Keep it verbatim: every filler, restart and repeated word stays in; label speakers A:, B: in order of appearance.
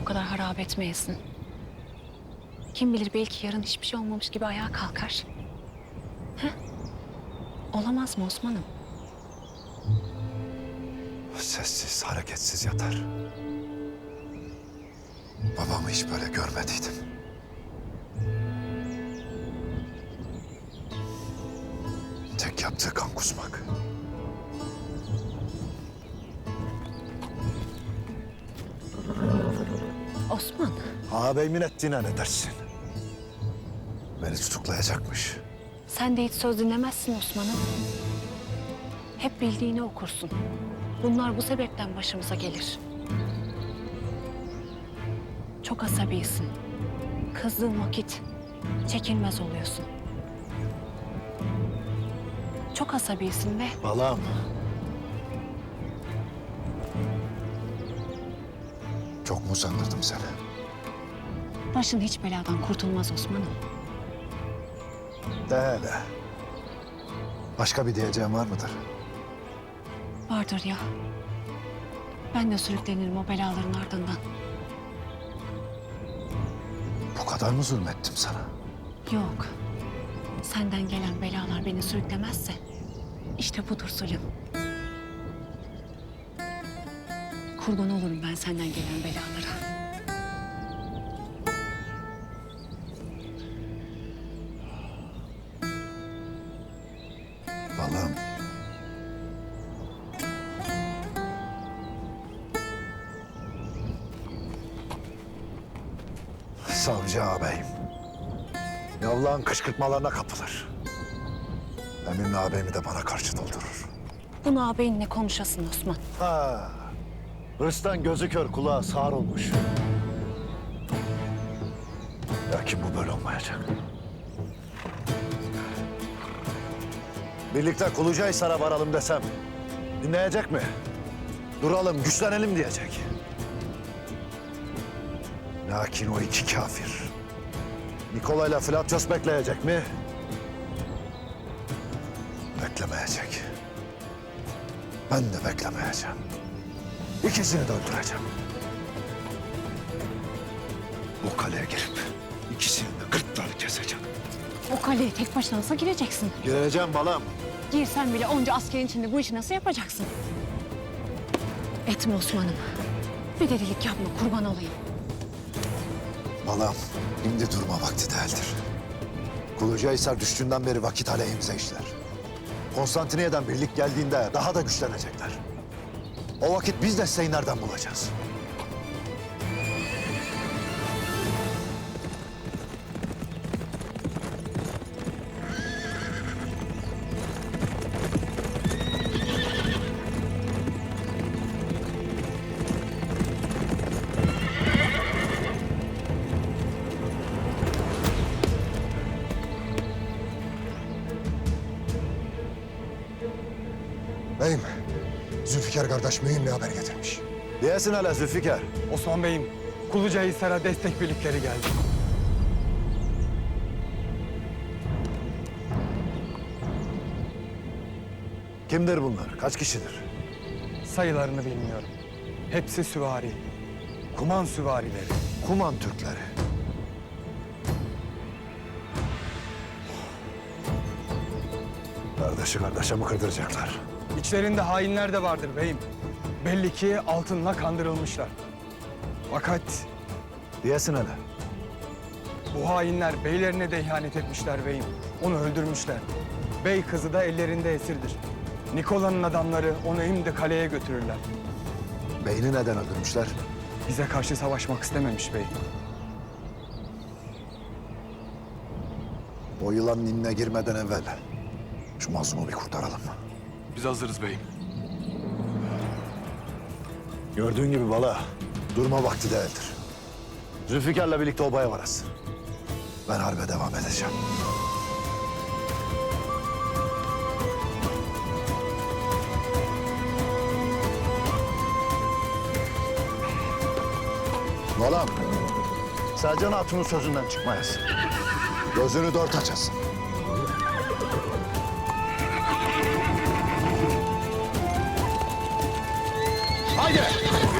A: kadar harap etmeyesin. Kim bilir belki yarın hiçbir şey olmamış gibi ayağa kalkar. Heh? Olamaz mı Osman'ım?
B: Sessiz, hareketsiz yatar. Babamı hiç böyle görmediydim. Tek yaptığı kan kusmak.
A: Osman,
B: Ağabeyimin ettiğine ne dersin? Beni tutuklayacakmış.
A: sen de hiç söz dinlemezsin Osman'ım. Hep bildiğini okursun. Bunlar bu sebepten başımıza gelir. Çok asabisin. Kızdığın vakit çekilmez oluyorsun. Çok asabisin ve
B: Balam. Çok mu sandırdım seni?
A: başın hiç beladan kurtulmaz Osman'ım.
B: De hele. Başka bir diyeceğim var mıdır?
A: Vardır ya. Ben de sürüklenirim o belaların ardından.
B: Bu kadar mı zulmettim sana?
A: Yok. Senden gelen belalar beni sürüklemezse işte budur zulüm. Kurban olurum ben senden gelen belalara.
B: Balam. Savcı ağabeyim. Yavlağın kışkırtmalarına kapılır. Emin ağabeyimi de bana karşı doldurur.
A: Bunu ağabeyinle konuşasın Osman.
B: Ha, hırstan gözü kör kulağı sağır olmuş. Lakin bu böyle olmayacak. Birlikte Kulucahisar'a varalım desem dinleyecek mi? Duralım, güçlenelim diyecek. Lakin o iki kafir Nikolay'la Flatyos bekleyecek mi? Beklemeyecek. Ben de beklemeyeceğim. İkisini de öldüreceğim. Bu kaleye girip ikisini de gırtlarını keseceğim.
A: O kaleye tek başına nasıl gireceksin?
B: Gireceğim balam.
A: Girsen bile onca askerin içinde bu işi nasıl yapacaksın? Etme Osman'ım. Bir delilik yapma, kurban olayım.
B: Balam, şimdi durma vakti değildir. Kulucahisar düştüğünden beri vakit aleyhimize işler. Konstantiniyye'den birlik geldiğinde daha da güçlenecekler. O vakit biz desteği nereden bulacağız?
C: Beyim, Zülfikar kardeş mühim bir haber getirmiş.
B: Diyesin hele Zülfikar.
D: Osman Bey'im, Kulucahisar'a destek birlikleri geldi.
B: Kimdir bunlar? Kaç kişidir?
D: Sayılarını bilmiyorum. Hepsi süvari. Kuman süvarileri.
B: Kuman Türkleri. Kardeşi kardeşe mi kırdıracaklar?
D: İçlerinde hainler de vardır beyim. Belli ki altınla kandırılmışlar. Fakat
B: Diyesin hele.
D: bu hainler beylerine de ihanet etmişler beyim. Onu öldürmüşler. Bey kızı da ellerinde esirdir. Nikola'nın adamları onu şimdi kaleye götürürler.
B: Beyni neden öldürmüşler?
D: Bize karşı savaşmak istememiş bey.
B: O yılanın inine girmeden evvel şu mazlumu bir kurtaralım.
E: Biz hazırız beyim.
B: Gördüğün gibi bala, durma vakti değildir. Zülfikar'la birlikte obaya varasın. Ben harbe devam edeceğim. Balam, Selcan Hatun'un sözünden çıkmayasın. Gözünü dört açasın. Haydi!